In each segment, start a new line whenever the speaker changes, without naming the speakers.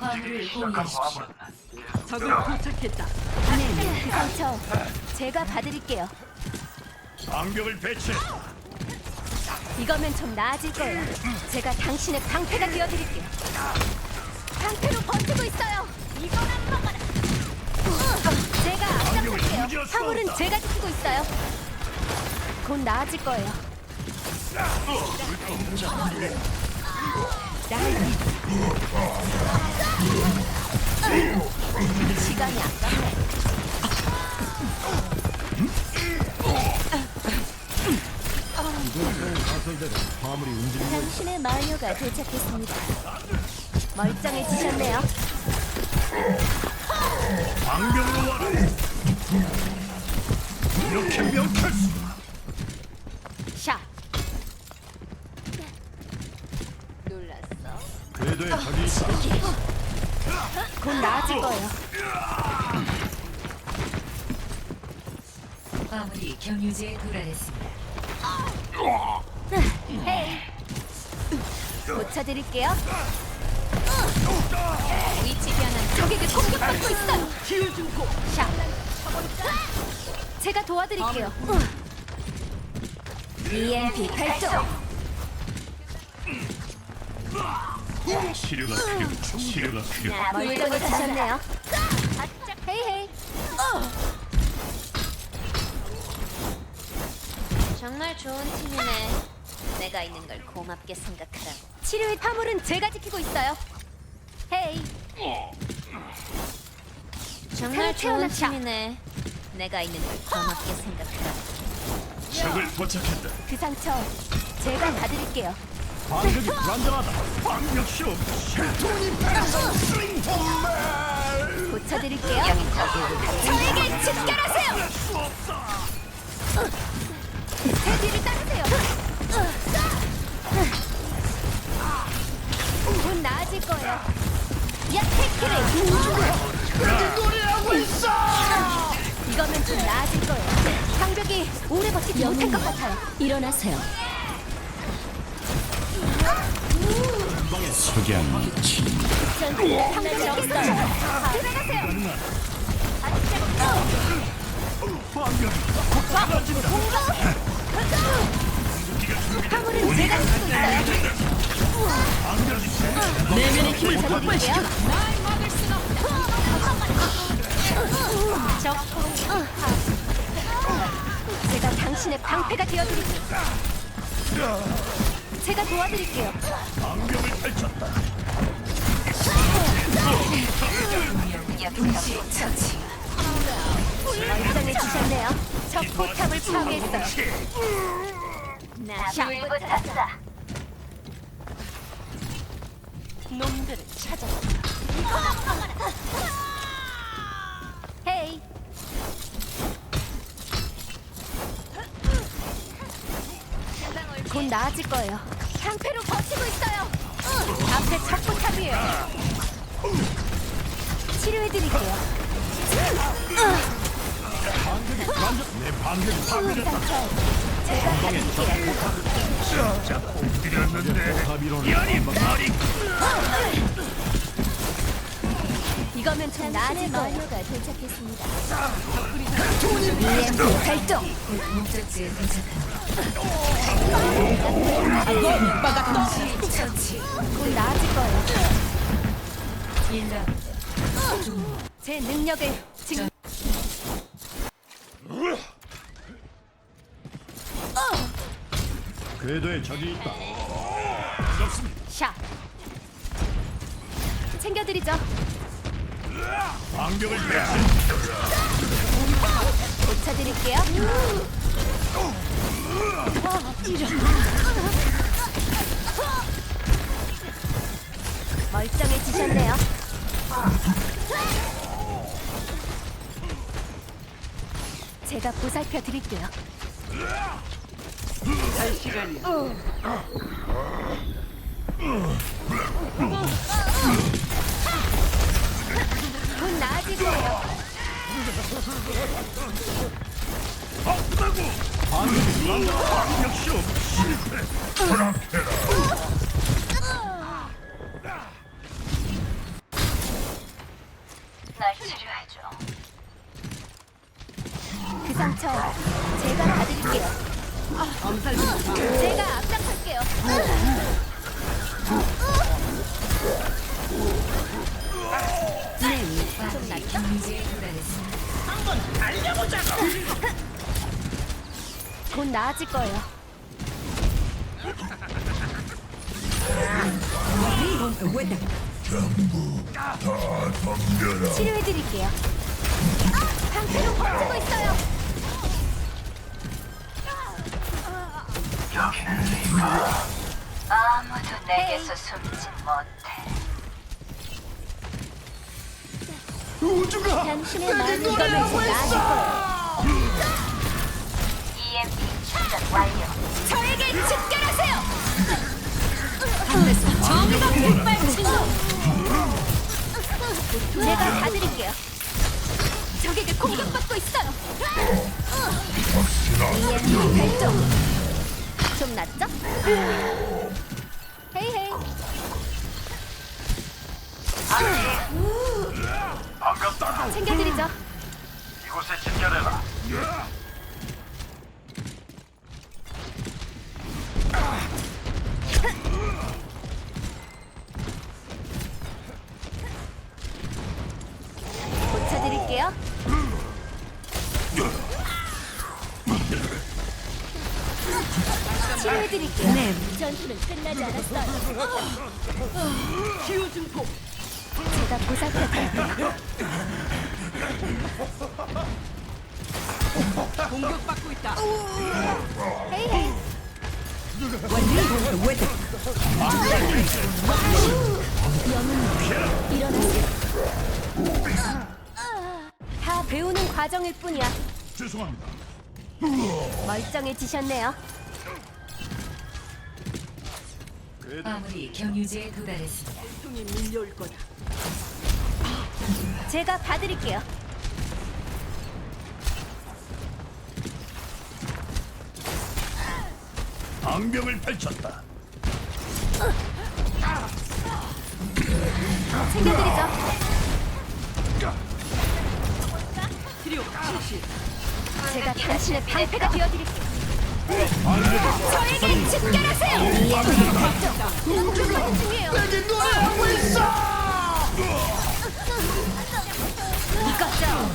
화물을 공유하십시오.
적을 포착했다.
네, 그 상처 제가 봐드릴게요.
방벽을 배치.
이거면 좀 나아질 거예요. 제가 당신의 방패가 되어드릴게요. 방패로 버티고 있어요. 이건 안 먹어라. 제가 앞장설게요. 화물은 제가 지키고 있어요. 곧 나아질 거예요. 시간이 아깝네.
화물이 움직이고
당신의 마녀가 도착했습니다. 멀쩡해지셨네요.
방벽으로 와라. 이렇게 명쾌할 수.
샷. 놀랐어.
궤도에 적이 있다.
곧 나아질 거예요.
화물이 경유지에 도달했습니다.
헤이. 고쳐드릴게요. 위치 변환. 적에게 공격받고 있어요.
기회 주고
샷. 제가 도와드릴게요. EMP 발동.
치료가 필요. 치료가 필요.
멀쩡해지셨네요. 헤이 헤이.
정말 좋은 팀이네. 내가 있는 걸 고맙게 생각하라고.
치료의 파물은 제가 지키고 있어요. 헤이.
정말 좋은
태어났다.
팀이네. 내가 있는 걸 고맙게 생각하라고.
적을 포착했다.
그 상처 제가 봐드릴게요.
방벽이 불안정하다. 방벽 실험. 실톤이 패서 스윙 홈맨.
고쳐드릴게요. 저에게 집결하세요. 제 뒤를 따르세요. 곧 나아질 거예요. 야, 테키를
노래하고 있어.
이거면 좀 나아질 거예요. 방벽이 오래 버티지 못할 것 같아요. 일어나세요.
석양 치.
방벽이 없어요. 들어가세요. 화물은 제가 지키고 있어요.
내면의 힘을
볼게요. 제가 당신의 방패가 되어드릴게요. 제가 도와드릴게요.
방벽을 펼쳤다.
동시 처치.
멀쩡해지셨네요. 적 포탑을 파괴했어요. 샷. 놈들을 찾아라. 헤이. 곧 나아질 거예요. 방패로 버티고 있어요. 앞에 적 포탑이에요. 치료해드릴게요.
내 방벽이 파괴됐다.
제가 받을게요.
자, 공들였는데 연이 머리.
이거면 좀 나아질 거예요. 마녀가 도착했습니다. EMP 발동.
목적지에 도착합니다. 동시 처치.
곧 나아질 거예요.
1라운드.
제 능력을 지금
궤도에 적이 있다.
샷. 챙겨드리죠.
방벽을 배치.
고쳐드릴게요. 멀쩡해지셨네요. 제가 보살펴 드릴게요.
할 시간이야.
곧 나아질 거예요.
아프다고. 방벽 실험 실패.
치료해줘.
그 상처 제가 봐드릴게요.
엄살 좀 마.
제가 앞장설게요. 좀 낫죠?
경제에 도달했습니다.
곧 나아질 거예요. 치료해드릴게요. 방패로 버티고 있어요.
아무도 내게서 숨지 못해.
우주가
당신의 마음이 이거면 곧 나아질 거예요.
EMP 충전 완료.
저에게 집결하세요. 정의가 백발친다. 제가 봐드릴게요. 적에게 공격받고 있어요. EMP 발동. 좀 낫죠? 헤이 헤이.
반갑다.
챙겨드리죠.
이곳에 집결해라.
고쳐드릴게요. 치료해드릴게요. 네. 전투는 끝나지 않았어요.
치유 증폭.
제가 보살펴드릴게요.
공격받고 있다.
헤이 헤이. 영웅 일어나세요. 다 배우는 과정일 뿐이야.
죄송합니다.
멀쩡해지셨네요.
마무리 경유지에 도달했습니다.
고통이 밀려올 거다.
제가 봐드릴게요.
방병을 펼쳤다.
챙겨드리죠.
치료 실시.
제가 당신의 방패가 되어드릴게요. 저에게 집결하세요. 공격받는 중이에요. 이거죠.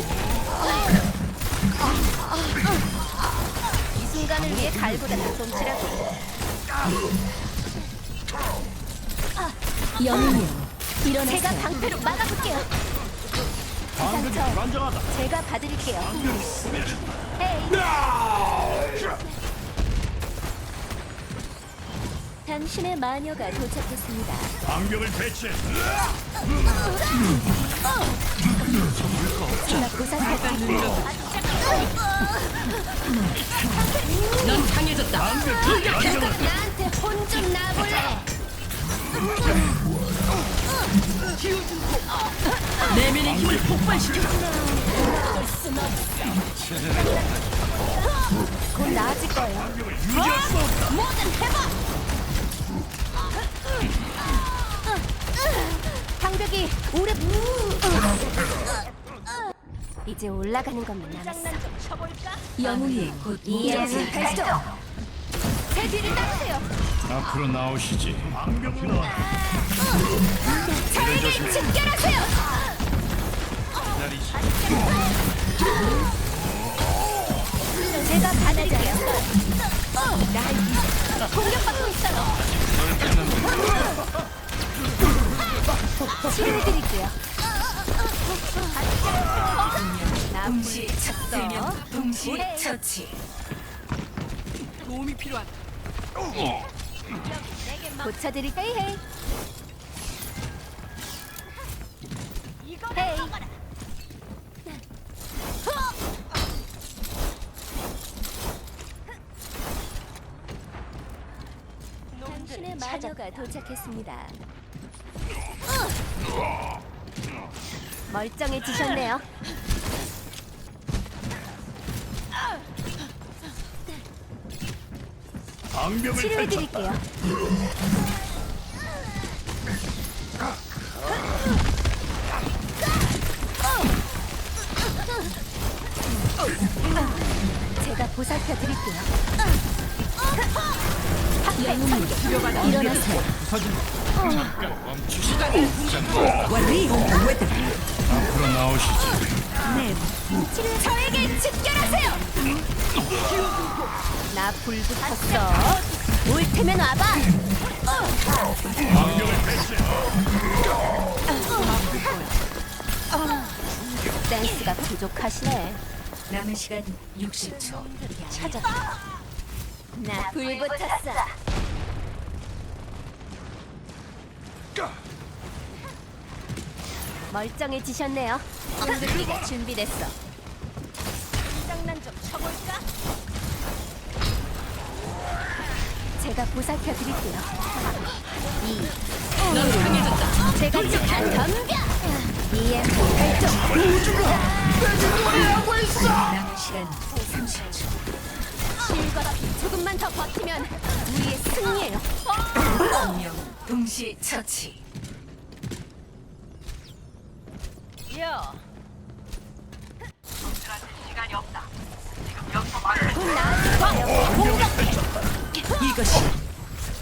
이 순간을 위해 갈보다는 솜치라고. 영웅이요. 일어나세요. 제가 방패로 막아볼게요.
방벽이 불안정하다.
제가 봐드릴게요. 헤이. 당신의 마녀가 도착했습니다.
방벽을 배치했다.
제가 보살펴드릴게요.
넌 강해졌다.
나한테 혼 좀 나볼래?
치유 증폭. 내면의 힘을 폭발시켜.
곧 나아질 거예요.
유지할 수 없다.
뭐든 해봐. 방벽이 오래. 이제 올라가는 것만 남았어.
영웅이 곧
EMP 발동. 제 뒤를 따르세요.
앞으로 나오시지. 방병 나와.
저에게 집결하세요. 제가 받을게요. 공격받고 있어요. 치료해드릴게요.
동시
쳤어.
세명 동시
오래.
처치.
도움이 필요하다.
고쳐드릴 헤이 헤이. 헤이. 당신의 마녀가 도착했습니다. 멀쩡해지셨네요.
방벽을
치료해드릴게요. 보살펴 드릴게요.
영웅이 필요하다.
일어나세요.
앞으로 나오시지.
저에게 집결하세요. 나 불 붙었어. 올 테면 와봐.
방벽을 배치해.
댄스가 부족하시네.
남은 시간 60초.
찾았다. 나 불 붙었어. 멀쩡해지셨네요. 공격기가 준비됐어. 장난 좀 쳐볼까? 제가 보살펴 드릴게요.
넌 강해졌다.
제가 지금 덤벼. EMP 발동.
남은 시간 30초.
실과 피 조금만 더 버티면 우리의 승리예요.
운명 동시 처치.
곧 나아질 거예요.
이것이